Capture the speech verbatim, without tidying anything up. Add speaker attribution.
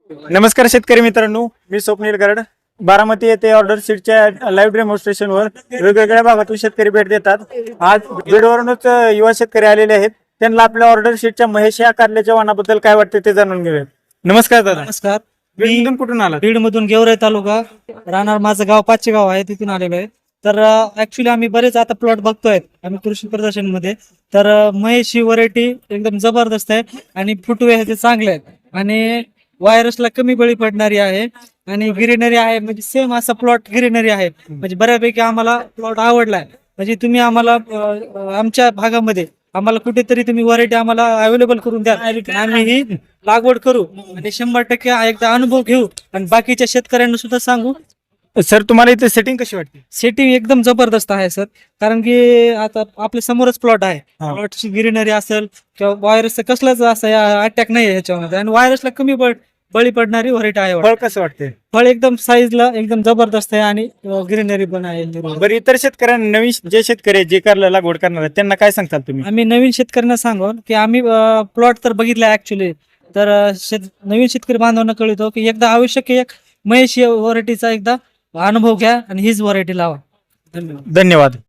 Speaker 1: नमस्कार शेतकरी मित्रांनो, मी स्वप्नील गरड. बारामती येथे ऑर्डर शीटच्या लाईव्ह डेमॉन्स्ट्रेशनवर वेगवेगळ्या भागातून शेतकरी भेट देतात. आज बीडवरूनच युवा शेतकरी आलेले आहेत. त्यांना आपल्या ऑर्डर शीटच्या महेश या कारल्याच्या वाणाबद्दल काय वाटते ते जाणून घेऊया. नमस्कार दादा.
Speaker 2: नमस्कार.
Speaker 1: बीडमधून कुठून आला?
Speaker 2: बीड मधून गेवराई तालुका राहणार, माझं गाव पाचशे गाव आहे, तिथून आलेलो आहे. तर ऍक्च्युली आम्ही बरेच आता प्लॉट बघतोय आम्ही कृषी प्रदर्शन मध्ये. तर अं, महेश ही व्हरायटी एकदम जबरदस्त आहे आणि फुटवे ह्याचे चांगले आहेत आणि व्हायरसला कमी बळी पडणारी आहे आणि ग्रीनरी आहे. म्हणजे सेम असा प्लॉट ग्रीनरी आहे. म्हणजे बऱ्यापैकी आम्हाला प्लॉट आवडलाय. म्हणजे तुम्ही आम्हाला अं, आमच्या भागामध्ये आम्हाला कुठेतरी तुम्ही व्हरायटी आम्हाला अवेलेबल करून द्या. आम्ही ही लागवड करू आणि शंभर टक्के एकदा अनुभव घेऊ आणि बाकीच्या शेतकऱ्यांना सुद्धा सांगू.
Speaker 1: सर, तुम्हाला इथे सेटिंग कशी वाटते?
Speaker 2: सेटिंग एकदम जबरदस्त आहे सर. कारण की आता आपल्या समोरच प्लॉट आहे.
Speaker 1: हा.
Speaker 2: प्लॉटची ग्रीनरी असेल किंवा व्हायरस कसलाच असा अटॅक नाही आहे ह्याच्यामध्ये आणि व्हायरसला कमी बळ बळी पडणारी व्हरायटी आहे.
Speaker 1: फळ कसं वाटते?
Speaker 2: फळ एकदम साईजला एकदम जबरदस्त आहे आणि ग्रीनरी पण आहे.
Speaker 1: बरं, इतर शेतकऱ्यांना, नवीन जे शेतकरी आहेत, जे कारला लागवड करणार आहेत, त्यांना काय सांगताल तुम्ही?
Speaker 2: आम्ही नवीन शेतकऱ्यांना सांगू की आम्ही प्लॉट तर बघितला ऍक्च्युली. तर अं, शेत नवीन शेतकरी बांधवांना कळतो की एकदा आवश्यक एक महेश व्हरायटीचा एकदा अनुभव घ्या आणि हीच व्हरायटी लावा. धन्यवाद.
Speaker 1: धन्यवाद.